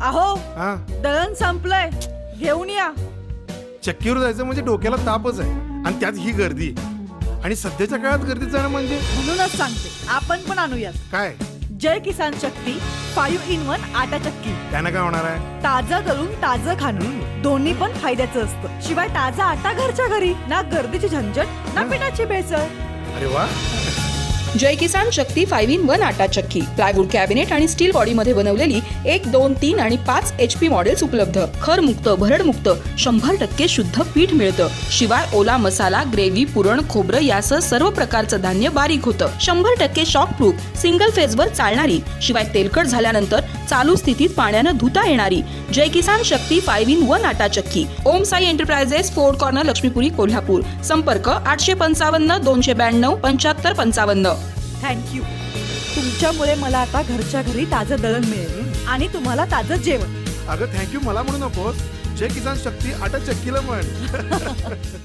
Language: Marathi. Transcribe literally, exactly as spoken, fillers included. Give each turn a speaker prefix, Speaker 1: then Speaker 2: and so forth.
Speaker 1: अहो
Speaker 2: हा
Speaker 1: दळण संपलंय, घेऊन या.
Speaker 2: चक्कीवर जायचं म्हणजे डोक्याला तापच आहे आणि त्यात ही गर्दी आणि सध्याच्या काळात गर्दीत जाणं म्हणजे
Speaker 1: म्हणूनच सांगते आपण पण आणूयात
Speaker 2: काय
Speaker 1: Jai Kisan Shakti five in one atta chakki.
Speaker 2: त्यानं काय होणार आहे?
Speaker 1: ताजं दळून ताजं खाणं दोन्ही पण फायद्याचं असतं. शिवाय ताजा आटा घरच्या घरी, ना गर्दीची झंझट ना पिठाची भेसळ.
Speaker 2: अरे वा.
Speaker 3: Jai Kisan Shakti five in one atta chakki plywood cabinet आणि स्टील बॉडी मध्ये बनवलेली एक दोन तीन आणि पाच एच पी मॉडेल्स उपलब्ध. खरमुक्त भरडमुक्त शंभर टक्के शुद्ध पीठ मिळतं. शिवाय ओला मसाला, ग्रेव्ही, पुरण, खोबरं यासह सर्व प्रकारचं धान्य बारीक होतं. शंभर टक्के शॉक प्रूफ, सिंगल फेजवर चालणारी, शिवाय तेलकट झाल्यानंतर चालू स्थितीत पाण्यानं धुता येणारी Jai Kisan Shakti five in one atta chakki. Om Sai enterprises, fort corner, Laxmipuri, Kolhapur. संपर्क आठशे पंचावन्न दोनशे ब्याण्णव पंच्याहत्तर पंचावन्न.
Speaker 1: थँक्यू. तुमच्यामुळे मला आता घरच्या घरी ताजं दळण मिळेल आणि तुम्हाला ताजं जेवण.
Speaker 2: अगं थँक्यू मला म्हणू नकोस, जय किसान शक्ती आटा चक्कीला म्हण.